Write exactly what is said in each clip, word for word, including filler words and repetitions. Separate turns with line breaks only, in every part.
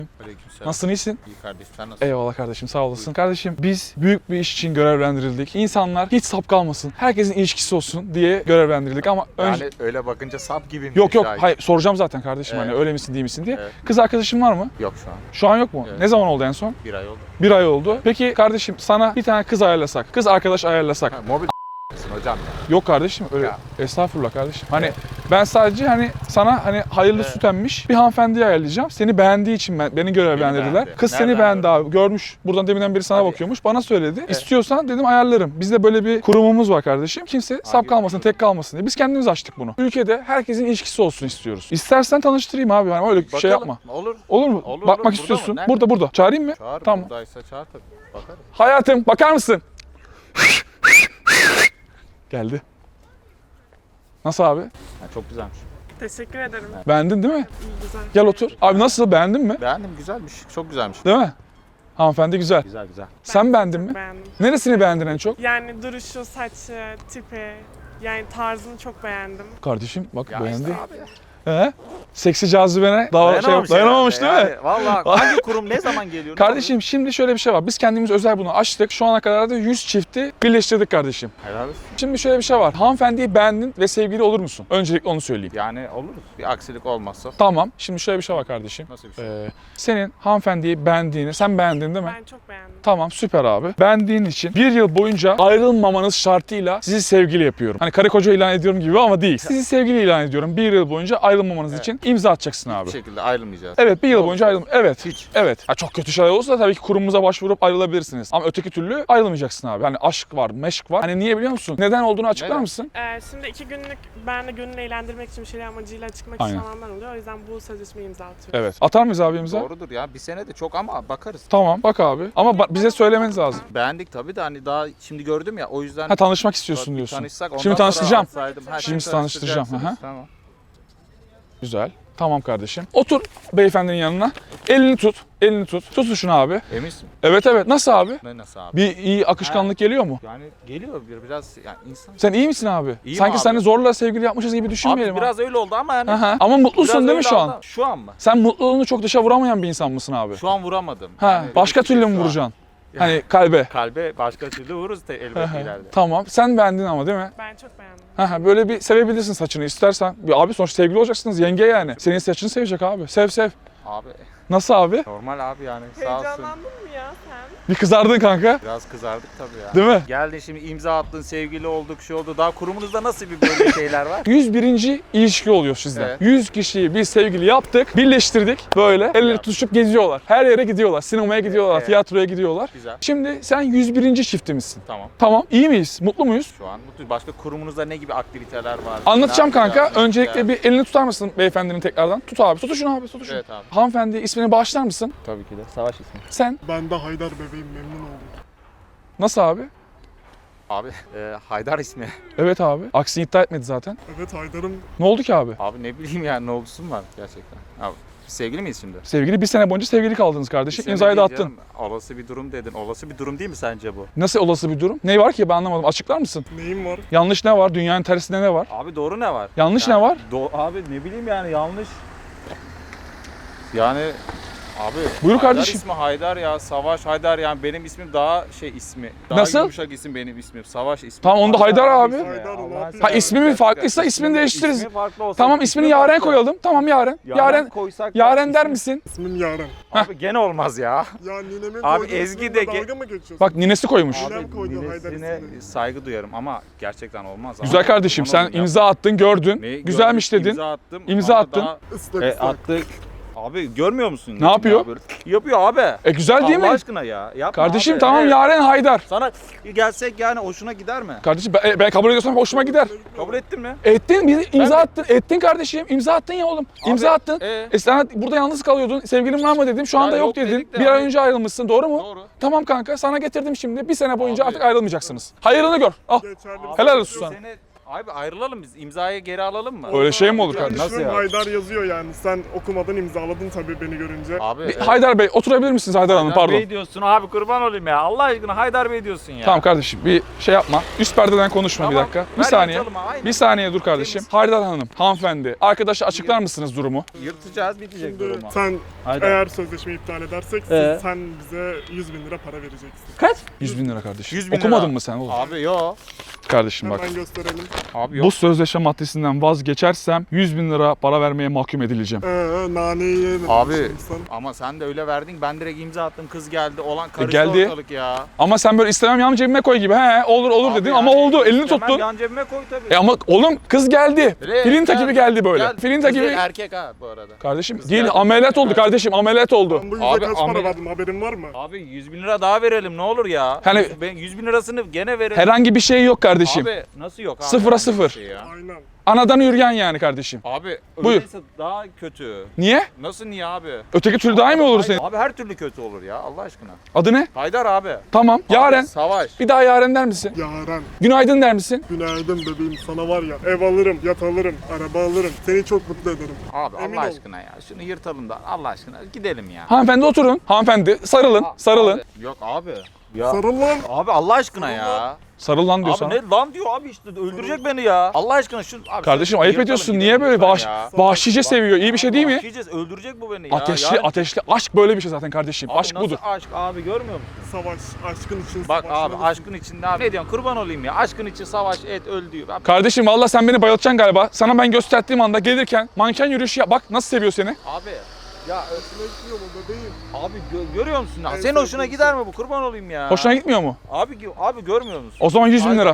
Aleykümselam.
Nasılsın, iyisin?
İyi kardeşim, sen nasılsın?
Eyvallah kardeşim, sağ olasın. Kardeşim biz büyük bir iş için görevlendirildik. İnsanlar hiç sap kalmasın, herkesin ilişkisi olsun diye görevlendirildik ama önce...
Yani öyle bakınca sap gibi mi?
Yok yok,
Şahit?
hayır soracağım zaten kardeşim
Evet.
hani öyle misin değil misin diye.
Evet.
Kız arkadaşın var mı?
Yok şu an.
Şu an yok mu?
Evet.
Ne zaman oldu en son?
Bir ay oldu.
Bir ay oldu. Peki kardeşim sana bir tane kız ayarlasak, kız arkadaş ayarlasak.
Ha, mobil hocam ya.
Yok kardeşim öyle.
Ya.
Estağfurullah kardeşim. Hani
Evet.
ben sadece hani sana hani hayırlı
Evet.
süt emmiş bir hanımefendiyi ayarlayacağım. Seni beğendiği için ben, beni görevlendirdiler.
beğendi.
Kız seni
Nereden
beğendi
gördün?
abi. Görmüş. Buradan deminden beri sana
Hadi.
bakıyormuş. Bana söyledi. İstiyorsan dedim ayarlarım. Bizde böyle bir kurumumuz var kardeşim. Kimse sap kalmasın, tek kalmasın diye. Biz kendimiz açtık bunu. Ülkede herkesin ilişkisi olsun istiyoruz. İstersen tanıştırayım abi. Yani öyle
Bakalım.
şey yapma.
Olur.
Olur mu?
Olur,
Bakmak
olur.
istiyorsun.
Burada mı? Nerede?
Burada burada. Çağırayım mı?
Çağır,
Tamam.
buradaysa çağır tabii. Bakarız.
Hayatım bakar mısın? Geldi. Nasıl abi?
Ha, çok güzelmiş.
Teşekkür ederim.
Beğendin değil mi?
İyi, güzel.
Gel otur. Abi nasıl, beğendin mi?
Beğendim, güzelmiş. Çok güzelmiş.
Değil mi? Hanımefendi güzel.
Güzel güzel.
Sen beğendin mi?
Beğendim.
Neresini beğendin en çok?
Yani duruşu, saçı, tipi, yani tarzını çok beğendim.
Kardeşim bak
Ya
beğendi.
işte abi.
He? Seksi cazibene daha şey, dayanamamış değil mi?
Yani, vallahi hangi kurum ne zaman geliyor? ne
Kardeşim şimdi şöyle bir şey var. Biz kendimiz özel bunu açtık. Şu ana kadar da yüz çifti birleştirdik kardeşim.
oluyor? Helal olsun.
Şimdi şöyle bir şey var. Hanımefendiyi beğendin ve sevgili olur musun? Öncelikle onu söyleyeyim.
Yani oluruz. Bir aksilik olmazsa.
Tamam. Şimdi şöyle bir şey var kardeşim.
Nasıl bir şey?
Ee, senin hanımefendiyi beğendiğini, sen beğendin değil mi?
Ben çok beğendim.
Tamam süper abi. Beğendiğin için bir yıl boyunca ayrılmamanız şartıyla sizi sevgili yapıyorum. Hani karı koca ilan ediyorum gibi ama değil. Sizi sevgili ilan ediyorum. Bir yıl boyunca ayrılmamanız
Evet.
için imza atacaksın abi.
Bir şekilde ayrılmayacağız.
Evet bir yıl
Doğru.
boyunca ayrılma. Evet.
Hiç.
Evet. Ha, çok kötü şeyler olursa tabii ki kurumumuza başvurup ayrılabilirsiniz. Ama öteki türlü ayrılmayacaksın abi. Hani aşk var, meşk var. Hani niye biliyor musun? Neden olduğunu açıklar
Neden?
mısın?
Ee, şimdi iki günlük ben de gönül eğlendirmek için bir şeyler amacıyla çıkmak
Aynen.
isteyenler oluyor. O yüzden bu sözleşmeyi imza atıyorum.
Evet. Atar mıyız abi imza?
Doğrudur ya. Bir sene de çok ama bakarız.
Tamam bak abi. Ama ba- bize söylemeniz lazım.
Beğendik tabii de hani daha şimdi gördüm ya o yüzden
Ha tanışmak istiyorsun
bir
diyorsun.
tanışsak, ondan
Şimdi
sonra
tanıştıracağım.
alsaydım. Ha,
Şimdi tanıştıracağım,
tanıştıracaksınız.
aha.
Tamam.
Güzel. Tamam kardeşim. Otur beyefendinin yanına. Elini tut. Elini tut. Tut şunu abi.
Eminsin?
Evet evet. Nasıl abi?
Ne nasıl abi?
Bir iyi akışkanlık geliyor mu?
Yani geliyor bir biraz yani insan.
Sen iyi misin abi?
İyiyim
Sanki
abi.
seni zorla sevgili yapmışız gibi düşünmeyelim.
Abi biraz öyle oldu ama yani.
Aha. Ama mutlusun
biraz
değil mi
öyle
şu
oldu
an?
ama- Şu an mı?
Sen mutluluğunu çok dışa vuramayan bir insan mısın abi?
Şu an vuramadım.
Ha,
Yani
başka türlü mü
şu an.
vuracaksın? Hani kalbe.
Kalbe başka türlü vururuz da elbette ileride.
Tamam. Sen beğendin ama değil mi?
Ben çok beğendim.
Ha, böyle bir sevebilirsin saçını istersen. Bir abi sonuçta sevgili olacaksınız yenge yani. Senin saçını sevecek abi. Sev sev.
Abi
Nasıl abi?
normal abi yani sağ olsun.
Heyecanlandın mı ya sen?
Bir kızardın kanka.
Biraz kızardık tabii ya.
Değil mi?
Geldin şimdi imza attın, sevgili olduk, şey oldu. Daha kurumunuzda nasıl bir böyle şeyler var?
yüz birinci ilişki oluyor sizde.
Evet.
yüz kişiyi biz sevgili yaptık, birleştirdik. Böyle elleri
Yaptık.
tutuşup geziyorlar. Her yere gidiyorlar. Sinemaya gidiyorlar,
Evet.
tiyatroya gidiyorlar.
Güzel.
Şimdi sen yüz birinci çiftimizsin.
Tamam.
Tamam. İyi miyiz? Mutlu muyuz?
Şu an mutlu. Başka kurumunuzda ne gibi aktiviteler var?
Anlatacağım
Ne
kanka.
yapacağız?
Öncelikle
Ya.
bir elini tutar mısın beyefendinin tekrardan? Tut abi. Tutuşun abi. Tutuşun.
Evet abi.
Hanımefendi ismini bağışlar mısın?
Tabii ki de. Savaş ismi.
Sen.
Ben de Haydar bebeğim, memnun oldum.
Nasıl abi?
Abi e, Haydar ismi.
Evet abi. Aksini iddia etmedi zaten.
Evet Haydar'ım,
Ne oldu ki abi?
Abi ne bileyim yani ne olgusu mu var gerçekten? Abi sevgili miyiz şimdi?
Sevgili bir sene boyunca sevgili kaldınız kardeşim.
Bir sene
İmzayı da
değil
attın.
canım. Olası bir durum dedin. Olası bir durum değil mi sence bu?
Nasıl olası bir durum? Ne var ki ben anlamadım. Açıklar mısın?
neyim var?
Yanlış ne var? Dünyanın tersinde ne var?
Abi doğru ne var?
Yanlış
Yani
ne var?
do- abi ne bileyim yani yanlış. Yani abi
Buyur
Haydar
kardeşim.
ismi Haydar ya. Savaş Haydar yani benim ismim daha şey ismi. Daha
Nasıl?
yumuşak isim benim ismim. Savaş ismi.
Tamam, onda Haydar abi.
ismi.
Haydar,
Allah
ne yapayım?
seni
Ha, ismi mi
affetsin.
farklıysa ismini değiştiririz.
İsmi farklı olsa.
Tamam ismini Yaren koyalım. Tamam Yaren. Yaren.
koysak da
Yaren der
ismi-
misin?
İsmim Yaren.
Abi gene olmaz ya.
Ya ninemin
Abi
koyduğu
Ezgi
ismimle
de ge-
dalga mı geçiyorsun?
Bak ninesi koymuş.
Abi, Ninem koydu Haydar
ninesine
ismini.
saygı duyarım ama gerçekten olmaz.
Güzel
Abi.
kardeşim
Kurban
sen
olayım ya.
imza attın gördün.
Neyi
Güzelmiş
gördüm,
dedin.
İmza attım.
İmza
ama
attın.
daha-
Islak
E,
ıslak.
attık. Abi görmüyor musun?
Ne yapıyor?
Ya böyle- Yapıyor abi.
E güzel değil
Allah
mi?
aşkına ya. Yapma
Kardeşim
abi.
tamam
Evet.
Yaren Haydar.
Sana gelsek yani hoşuna gider mi?
Kardeşim ben, ben kabul ediyorsam hoşuma gider.
Kabul ettin mi?
Ettin, bir imza
Ben-
attın. Ettin kardeşim. İmza attın ya oğlum. İmza
Abi,
attın.
e?
E sana burada yalnız kalıyordun. Sevgilin var mı dedim. Şu
Ya
anda yok,
yok
dedin.
dedik de
Bir ay
abi.
önce ayrılmışsın. Doğru mu?
Doğru.
Tamam kanka sana getirdim şimdi. Bir sene boyunca
Abi.
artık ayrılmayacaksınız. Hayırını gör. Al.
Geçerli.
Helal olsun sana.
Seni Abi ayrılalım biz. İmzayı geri alalım mı?
Öyle şey mi olur
Yani
kardeşim?
Nasıl
şu
ya?
Haydar yazıyor yani. Sen okumadan imzaladın tabii beni görünce.
Abi.
Bir- Haydar Bey oturabilir misiniz Haydar Hanım?
Haydar
Pardon.
Bey diyorsun abi, kurban olayım ya. Allah aşkına Haydar Bey diyorsun ya.
Tamam kardeşim bir şey yapma. Üst perdeden konuşma bir
Tamam,
dakika. Bir
ver
saniye.
yatalım, aynen.
Bir saniye dur kardeşim. Haydar Hanım, hanımefendi. Arkadaşa açıklar mısınız durumu?
Yırtacağız, bitecek
Şimdi
durumu.
sen
Haydar.
eğer sözleşmeyi iptal edersek siz-
Ee?
sen bize yüz bin lira para vereceksin.
Kaç?
yüz bin lira kardeşim.
yüz bin lira.
Okumadın mı sen oğlum?
Abi yo.
Kardeşim bak.
Hemen gösterelim.
Abi yok.
Bu sözleşme maddesinden vazgeçersem yüz bin lira para vermeye mahkum edileceğim.
Ee, naneyi yemedim.
Abi
şimdi sen.
ama sen de öyle verdin. Ben direkt imza attım. Kız geldi. Olan karıştı
geldi.
ortalık ya.
Ama sen böyle istemem yan cebime koy gibi. He olur olur
Abi
dedin
yani
ama oldu. Elini
istemem,
tuttun.
Yan cebime koy tabii.
E ama oğlum kız geldi.
Direkt
Filinta
gel-
gibi geldi böyle.
Gel.
Filinta
Kız
gibi.
değil, erkek ha bu arada.
Kardeşim
Kız
değil
geldi.
ameliyat oldu
Evet.
kardeşim ameliyat oldu.
Ben bu yüze
Abi,
kaç para
amel-
verdim haberin var mı?
Abi yüz bin lira daha verelim ne olur ya.
Hani-
yüz, ben yüz bin lirasını gene verelim.
Herhangi bir şey yok kardeşim.
Abi nasıl yok abi?
Sıfıra
Herhangi bir
sıfır.
şey ya.
Aynen.
Anadan yürüyen yani kardeşim.
Abi
Buyur.
öyleyse daha kötü.
Niye?
Nasıl niye abi?
Öteki türlü daha iyi mi olur
Hayır,
senin?
Abi her türlü kötü olur ya Allah aşkına.
Adı ne?
Haydar abi.
Tamam. Yaren.
Abi, Savaş.
Bir daha Yaren der misin?
Yaren.
Günaydın der misin?
Günaydın bebeğim, sana var ya ev alırım, yat alırım, araba alırım. Seni çok mutlu ederim.
Abi
Emin
Allah
ol.
aşkına ya. Şunu yırtalım da Allah aşkına gidelim ya.
Hanımefendi oturun. Hanımefendi sarılın.
A-
Sarılın.
Abi, yok abi. Ya.
Sarıl lan.
Abi Allah aşkına ya.
Sarıl lan diyor
Abi
sana.
ne lan diyor abi işte öldürecek beni ya. Allah aşkına şu abi
Kardeşim
şunu
ayıp
yırtalım,
ediyorsun.
gidelim
Niye böyle
lütfen
vahş,
ya.
vahşice seviyor? İyi bir şey değil mi?
Vahşice öldürecek bu beni ya.
Ateşli
Yani-
ateşli. Aşk böyle bir şey zaten kardeşim.
Abi
Aşk
nasıl
budur.
aşk abi görmüyor musun?
Savaş, aşkın için
Bak abi
savaşmalısın.
aşkın içinde abi. Ne diyorsun kurban olayım ya. Aşkın için savaş et öl diyor. Abi,
Kardeşim valla sen beni bayıltacaksın galiba. Sana ben gösterdiğim anda gelirken manken yürüyüşü yap. Bak nasıl seviyor seni.
abi ya
Hoşuna gitmiyor mu bebeğim?
abi gö- görüyor musun? Ya?
En
Senin hoşuna
sevdiğim
gider mi bu? Kurban olayım ya.
Hoşuna gitmiyor mu?
Abi gö- abi görmüyor musun?
O zaman yüz bin
Aynen.
lira.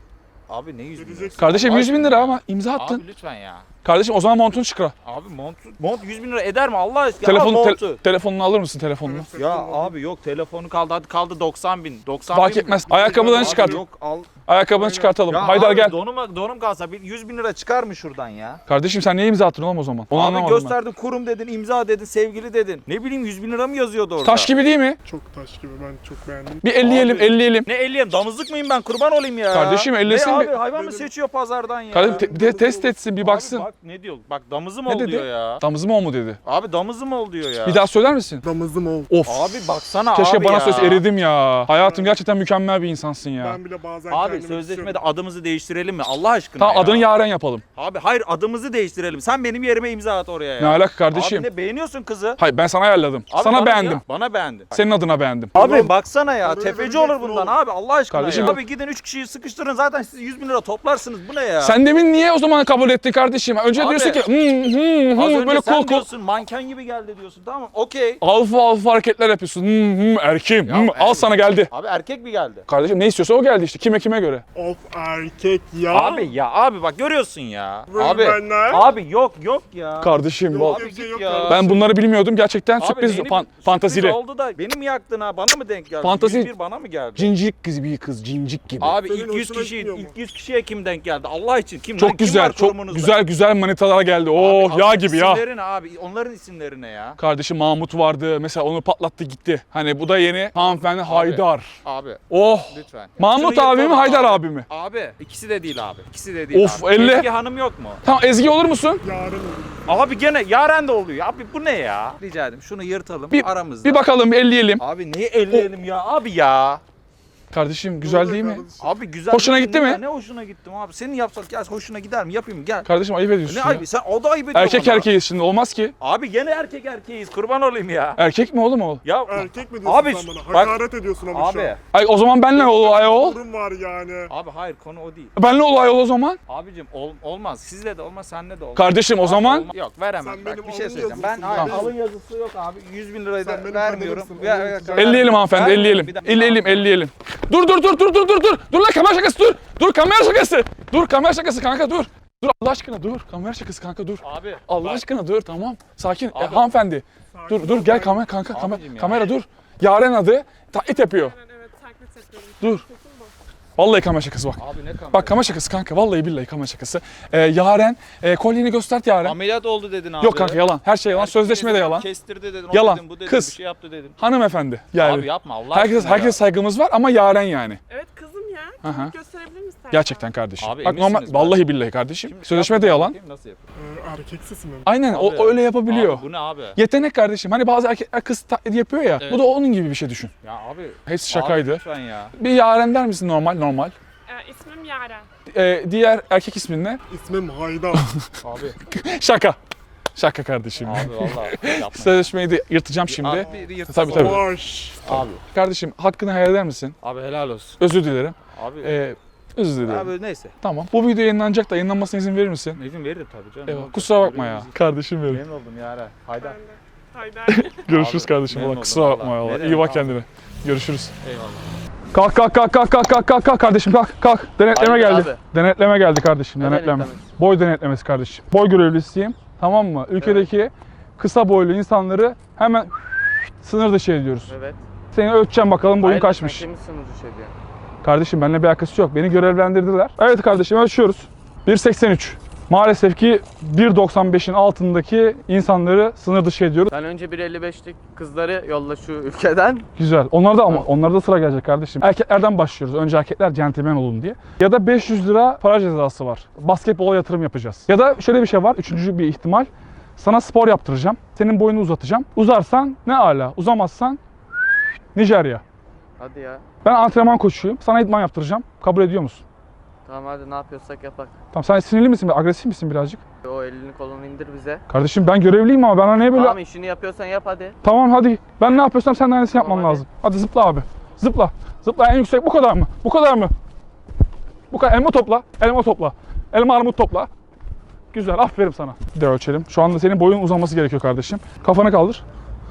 Abi ne yüz bin lira?
Vereceksin.
Kardeşim
Allah
yüz bin
aşkına
lira
ya.
ama imza attın.
Abi lütfen ya.
Kardeşim o zaman montunu çıkar.
Abi mont, mont yüz bin lira eder mi Allah aşkına?
Telefonu,
Al
te-
montu.
telefonunu alır mısın telefonunu?
Evet,
Ya
telefon alayım.
abi yok telefonu kaldı hadi kaldı doksan bin. doksan
Fark
bin
etmez.
mi?
Ayakkabılarını
Abi
çıkart.
Yok al.
Ayakkabını çıkartalım.
Ya
Haydar
abi,
gel.
Donum, donum kalsa bir yüz bin lira çıkar mı şuradan ya?
Kardeşim sen niye imza attın oğlum o zaman? Onu
Abi
anlamadım
gösterdin kurum dedin, imza dedin, sevgili dedin. Ne bileyim yüz bin lira mı yazıyordu orada?
ben. Taş gibi değil mi?
Çok taş gibi, ben çok beğendim.
Bir elleyelim
Abi.
elleyelim.
Ne elliyim? Damızlık mıyım ben? Kurban olayım ya.
Kardeşim, ellesin
Ne
bir-
abi hayvan mı
Benim-
seçiyor pazardan ya?
Kardeşim te- de- test etsin bir
Abi
baksın.
bak ne diyor? Bak damızım
Ne
ol
dedi?
diyor ya.
Damızı mı o mu dedi.
Abi damızım ol diyor ya.
Bir daha söyler misin?
Damızım ol.
Of.
Abi baksana
Keşke
abi
bana
ya.
söz eridim ya. Hayatım gerçekten mükemmel bir insansın ya.
Ben bile bazen
Abi
kendimi
sözleşmede
tutuyorum.
adımızı değiştirelim mi? Allah aşkına
Tamam
ya.
adını Yaren yapalım.
Abi hayır adımızı değiştirelim. Sen benim yerime imza at oraya ya.
Ne alaka kardeşim?
Abi ne beğeniyorsun kızı?
Hayır ben sana ayarladım.
Abi
sana
bana
beğendim.
ya, bana beğendin.
Senin adına beğendim.
Abi
Ulan,
baksana ya
parayı
tefeci
vereceksin
olur bundan
oğlum.
abi Allah aşkına
Kardeşim
ya.
bak-
Abi gidin üç kişiyi sıkıştırın zaten siz yüz bin lira toplarsınız bu ne ya?
Sen demin niye o zaman kabul ettin kardeşim? Önce
Abi,
diyorsun ki hı hı
Az
hı
önce
böyle
sen
kol kol.
diyorsun manken gibi geldi diyorsun tamam okey.
Alfa alfa hareketler yapıyorsun. Hı hı erkeğim.
Ya
Hı, al
erkek.
sana geldi.
Abi erkek mi geldi?
Kardeşim ne istiyorsa o geldi işte. Kime kime göre.
Of erkek ya.
Abi ya abi bak görüyorsun ya.
Böyle
Abi
benler.
abi yok yok ya.
Kardeşim
Yok,
val-
Abi
bir şey
git
yok
ya.
ya.
ben bunları bilmiyordum. Gerçekten
Abi
sürpriz
neyini-
fan-
sürpriz
fantazili.
oldu da beni mi yaktın ha bana mı denk geldi?
Fantezi-
yüz bir bana mı geldi?
Cincik kız bir kız cincik gibi.
Abi
Senin
ilk yüz
hoşuna
kişi
gitmiyor mu?
ilk yüz kişiye kim denk geldi? Allah için kim lan?
Çok
Kim
güzel,
var
çok
kurumunuzda?
güzel güzel manitalar geldi. Oo
Abi,
yağ
abi,
gibi ya.
İsimleri ne abi? Onların isimleri ne ya?
Kardeşim Mahmut vardı. Mesela onu patlattı gitti. Hani bu da yeni hanımefendi Haydar.
Abi
Oh.
lütfen.
Mahmut
Şunu
abi mi
yırtalım
Haydar abi mi?
Abi ikisi de değil abi. İkisi de değil
Of,
abi.
elle.
Ezgi Hanım yok mu?
Tamam Ezgi olur musun?
Yarın olur.
Abi gene Yaren de oluyor. Abi bu ne ya? Rica ederim şunu yırtalım
Bir-
aramızda.
Bir bakalım bir elleyelim.
Abi neyi elleyelim ya abi ya?
Kardeşim güzel değil mi?
Kardeşim.
Abi güzel.
Hoşuna
değil
gitti
ne
mi?
ya? Ne hoşuna gittim abi? Senin yapsak gel hoşuna gider mi? Yapayım gel.
Kardeşim ayıp ediyorsun
Ne
ya.
ayıbı? Sen o da ayıp ediyor
Erkek
bana.
erkeğiz şimdi olmaz ki.
Abi gene erkek erkeğiz. Kurban olayım ya.
Erkek mi oğlum o?
Ya
Erkek mi diyorsun
Abi,
sen bana?
bak-
Hakaret ediyorsun ama şu
abi.
an.
Ay o zaman benle ol ayol.
Durum var yani.
Abi hayır konu o değil.
Benle ol ayol o zaman.
Abicim ol, olmaz. Sizle de olmaz, senle de olmaz.
Kardeşim o
Abi
zaman
olma- Yok veremem.
Sen
Bak
benim
bir şey
alın
söyleyeceğim. Ben
yazısın,
hayır,
benim.
alın yazısı yok abi. yüz bin lirayı
Sen
da
benim
vermiyorum.
kadınımsın,
Ver-
alın
ver-
yazısın.
ver-
elleyelim hanımefendi
Vermiyorum.
elleyelim.
Bir dakika.
Elleyelim elleyelim. Dur dur dur dur dur dur dur. Dur lan kamera şakası dur. Dur kamera şakası. Dur kamera şakası kanka dur. Dur Allah aşkına dur. Kamera şakası kanka dur.
Abi
Allah
bak,
aşkına dur tamam. Sakin. E,
Abi.
hanımefendi.
Sakin
Dur dur
ol,
gel
ben-
kamera kanka kamera,
Abicim ya.
kamera dur. Yaren adı taklit yapıyor.
Evet, evet taklit yapıyorum.
Dur.
Kesin bu.
Vallahi kamera şakası bak.
Abi ne kamera?
Bak kamera şakası kanka. Vallahi billahi kamera şakası. Ee, Yaren e, kolyeni göstert Yaren.
Ameliyat oldu dedin abi.
Yok kanka yalan. Her şey yalan.
Erkek
Sözleşme de
dedin,
yalan.
Kestirdi dedin,
Yalan.
o dedin, bu dedin,
Kız.
bir şey yaptı dedin.
Hanımefendi. Yani.
Abi yapma Allah
herkes
aşkına
herkes
ya.
saygımız var ama Yaren yani.
Evet kızım ya.
Aha.
Gösterebilir misin?
Gerçekten kardeşim.
Abi
Bak normal
eminsiniz bak.
vallahi billahi kardeşim.
Şimdi
Sözleşme de
yap-
yalan.
bakayım Nasıl yapıyor?
Ee, erkeksiz mi?
Aynen o,
Abi,
o öyle yapabiliyor.
Abi bu ne abi?
Yetenek kardeşim. Hani bazı erkekler kız taklidi yapıyor ya.
Evet.
Bu da onun gibi bir şey düşün.
Ya abi.
Hepsi şakaydı.
Abi lütfen ya.
Bir Yaren der misin normal normal?
Ee, ismim Yaren.
Ee, diğer erkek ismin ne?
İsmim Haydar.
Abi.
Şaka. Şaka kardeşim.
Abi vallahi yapma.
Sözleşmeyi de yırtacağım şimdi.
Abi bir yırtık
Tabii,
oldu.
tabii.
Savaş.
Abi.
Kardeşim hakkını hayal eder misin?
Abi helal olsun.
Özür dilerim.
Abi.
Ee, özür dilerim.
abi neyse.
Tamam. Bu video yayınlanacak da yayınlanmasına izin verir misin?
İzin veririm tabii canım. Ne
Eyvallah.
olacak?
Kusura bakma ya.
Görevimiz-
Kardeşim benim.
Memnun oldum ya. Haydar.
Ben de. Haydi.
Görüşürüz
Abi,
kardeşim.
memnun
Valla
oldum
kusura bakma
vallahi.
ya.
Ne
İyi bak
demek abi?
kendine. Görüşürüz.
Eyvallah.
Kalk kalk kalk kalk kalk kalk kalk kalk kardeşim kalk kalk. Denetleme
Hayırdır
geldi.
abi?
Denetleme geldi kardeşim.
Ne
Denetleme.
denetlemesi?
Boy denetlemesi kardeşim. Boy görevlisiyim. Tamam mı? Ülkedeki kısa boylu insanları hemen sınır dışı ediyoruz.
Evet.
Seni ölçeceğim bakalım boyun
Hayırdır,
kaçmış.
sen kimsin bu şey diyor?
Kardeşim benimle bir alakası yok. Beni görevlendirdiler. Evet kardeşim ölçüyoruz. bir seksen üç. Maalesef ki bir doksan beşin altındaki insanları sınır dışı ediyoruz.
Sen önce bir elli beşlik kızları yolla şu ülkeden.
Güzel. Onlar da ama onlarda sıra gelecek kardeşim. Erkeklerden başlıyoruz. Önce erkekler centilmen olun diye. Ya da beş yüz lira para cezası var. Basketbola yatırım yapacağız. Ya da şöyle bir şey var. Üçüncü bir ihtimal. Sana spor yaptıracağım. Senin boyunu uzatacağım. Uzarsan ne ala. Uzamazsan Nijerya.
Hadi ya.
Ben antrenman koçuyum. Sana idman yaptıracağım. Kabul ediyor musun?
Tamam hadi ne yapıyorsak yapak.
Tamam sen sinirli misin? Agresif misin birazcık?
O elini kolunu indir bize.
Kardeşim ben görevliyim ama bana niye böyle...
Tamam işini yapıyorsan yap hadi.
Tamam hadi. Ben ne yapıyorsam sen de aynısını
Tamam,
yapman
hadi.
lazım. Hadi zıpla abi. Zıpla. Zıpla en yüksek bu kadar mı? Bu kadar mı? Bu kadar. Elma topla. Elma topla. Elma armut topla. Güzel. Aferin sana. Bir de ölçelim. Şu anda senin boyun uzaması gerekiyor kardeşim. Kafanı kaldır.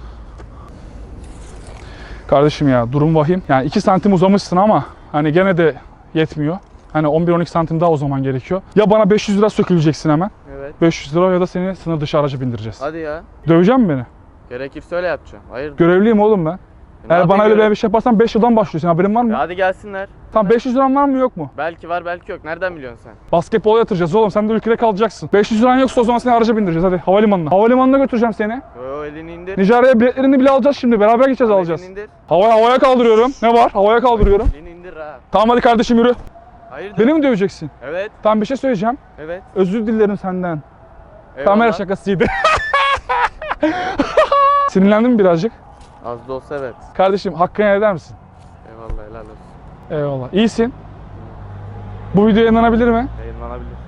Kardeşim ya durum vahim. Yani iki santim uzamışsın ama hani gene de yetmiyor. Hani on bir on iki santim daha uzaman gerekiyor. Ya bana beş yüz lira söküleceksin hemen.
Evet.
beş yüz lira ya da seni sınır dışı araca bindireceğiz.
Hadi ya.
Dövecek mi beni?
Gerekirse öyle yapacağım. Hayır.
Görevliyim oğlum ben. Eğer bana öyle bir şey yaparsan beş yıldan başlıyorsun. Haberin var mı?
Hadi gelsinler.
Tamam beş yüz liran var mı yok mu?
Belki var belki yok. Nereden biliyorsun sen?
Basketbola yatıracağız oğlum. Sen de ülkede kalacaksın. beş yüz liran yoksa o zaman seni araca bindireceğiz. Hadi havalimanına. Havalimanına götüreceğim seni.
O elini indir.
Nijerya'ya biletlerini bile alacağız şimdi. Beraber gideceğiz
Tamam,
alacağız.
elini indir.
Havaya havaya kaldırıyorum. Ne var? Havaya kaldırıyorum.
Elini indir ha.
Tamam hadi kardeşim yürü.
Hayırdır?
Beni mi döveceksin?
Evet.
Tamam bir şey söyleyeceğim.
Evet.
Özür dilerim senden.
Eyvallah.
Kamera şakasıydı. Sinirlendin mi birazcık?
Az da olsa evet.
Kardeşim hakkını helal eder misin?
Eyvallah helal olsun.
Eyvallah. İyisin. Bu video yayınlanabilir mi?
Yayınlanabilir.